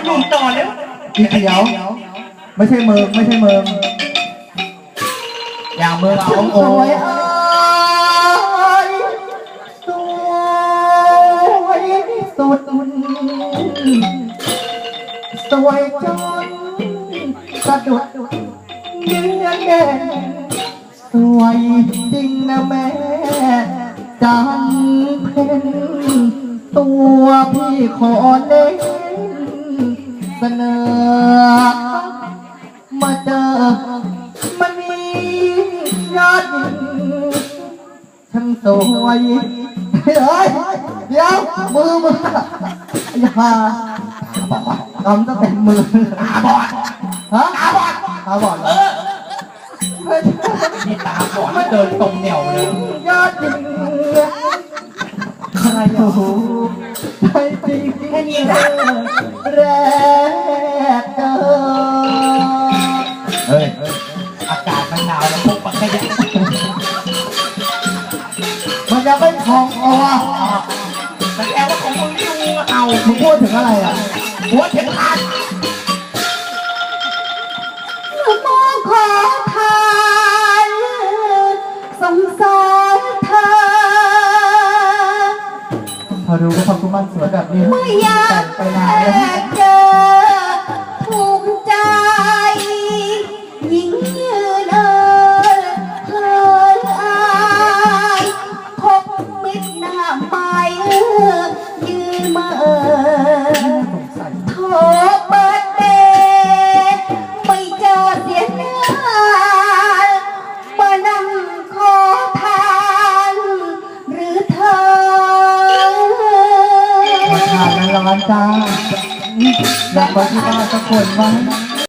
หนุ่มต่อแล้วอีเขียวไม่ใช่เมืองไม่ใช่เมืองอย่างเมืองเอาโอ้ยสวยสุดสวยจนสะดุดเยือนเด่นสวยจริงนะแม่จำเพ็ญตัวพี่ขอเน้นเสนอมาเจอมันมียอดหญิงฉันสวยเฮ้ยเดี๋ยวมืออย่าทำตั้งแต่มือตาบอดฮะตาบอดมีตาบอดเดินตรงเหนียวเลยยอดหญิงใครรู้ใครจริงแค่นี้นะแรกเจอเฮ้ยอากาศมันหนาวแล้วพวกปักขยะมันจะไม่คลองคอแต่แกว่าของมึงนี่งูเอามึงพูดถึงอะไรอ่ะหัวเข็มขัดมองขอทานสงสารเธอพอรู้ว่าความสุขมันสวยแบบนี้ไม่อยากไปนานแล้วเจอถูกใจยิ่งยืนเอ่ยเอ่ยอายพบมิตรหน้าไม้ยืนมาโทรเปิดเดไม่เจอเสียหน้ามานั่งขอทานหรือเธอมาทานแล้วร้อนจ้าอยากไปที่บ้านสักคนไหม